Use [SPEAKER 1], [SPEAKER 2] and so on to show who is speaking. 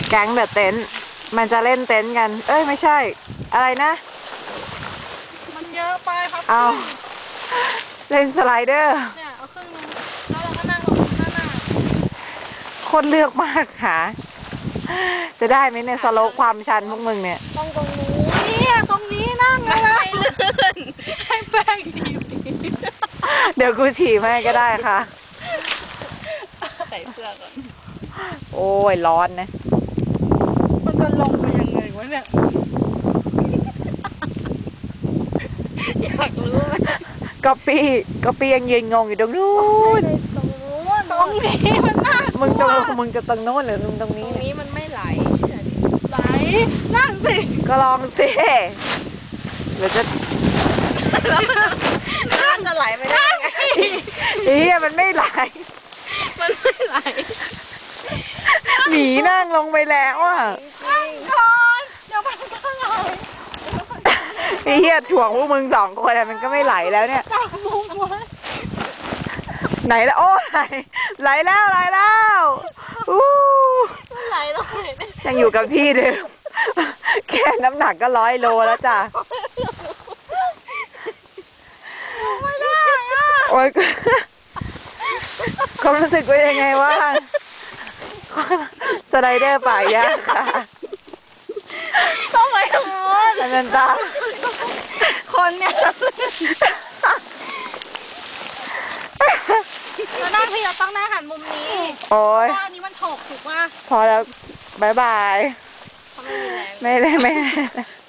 [SPEAKER 1] แก๊งเดอะเต็นท์มันจะเล่นเต็นท์กัน เอ้ยไม่ใช่ อะไรนะ
[SPEAKER 2] มันเยอะไปครับ
[SPEAKER 1] เอาเล่นสไลเดอร์
[SPEAKER 2] เนี่ยเอาครึ่งนึงแล้วเราก็นั่งลงหน้า
[SPEAKER 1] คนเลือกมากค่ะจะได้ไหมเนี่ยสโลปความชันพวกมึงเนี่ย
[SPEAKER 2] ตรงนู้นเนี่ยตรงนี้นั่งเลยนะให้แป้งดี
[SPEAKER 1] เดี๋ยวกูฉี่ให้ก็ได้ค่ะ
[SPEAKER 2] ใส่เสื้อก่อน
[SPEAKER 1] โอ้ยร้อนนะ
[SPEAKER 2] มันจะลงไปยังไงวะเนี่ยอยากรู้ไหม
[SPEAKER 1] ก๊อปปี้ยังยืนงงอยู่ตรงนู้น
[SPEAKER 2] ตรงนี้มันน่า
[SPEAKER 1] มึงจะตรงนู้นหรือตรงนี้
[SPEAKER 2] มันไม่ไหลไหลนั่งสิ
[SPEAKER 1] ก็ลองสิหรือจะ
[SPEAKER 2] นั่งจะไหลไม่ได้ไง
[SPEAKER 1] มันไม่ไหลหมีนั่งลงไปแล้วอ่ะ
[SPEAKER 2] นั่งก่อนเดี๋ยวมันก็ไหล
[SPEAKER 1] ถ่วงพวกมึง2 คนมันก็ไม่ไหลแล้วเนี่ย
[SPEAKER 2] จับมุมไว้
[SPEAKER 1] ไหนแล้วโอ้ไหลแล้วอู้
[SPEAKER 2] ไหลแล้ว
[SPEAKER 1] ยังอยู่กับที่เดิมแค่น้ำหนักก็100 โลแล้วจ้ะ
[SPEAKER 2] ไม่ได้อ่ะ
[SPEAKER 1] โอ้ยความรู้สึกเป็นยังไงวะสไลเดอร์ป่ายากค่ะ
[SPEAKER 2] ต้องไปทางโน้น
[SPEAKER 1] นันตา
[SPEAKER 2] คนเนี่ยเรานั่งที่เราต้องนั่งหันมุมนี้
[SPEAKER 1] โอ้ย
[SPEAKER 2] เพราะอันนี้มันถกถูกป่ะ
[SPEAKER 1] พอแล้วบาย
[SPEAKER 2] เขาไม่มีแรง
[SPEAKER 1] ไม่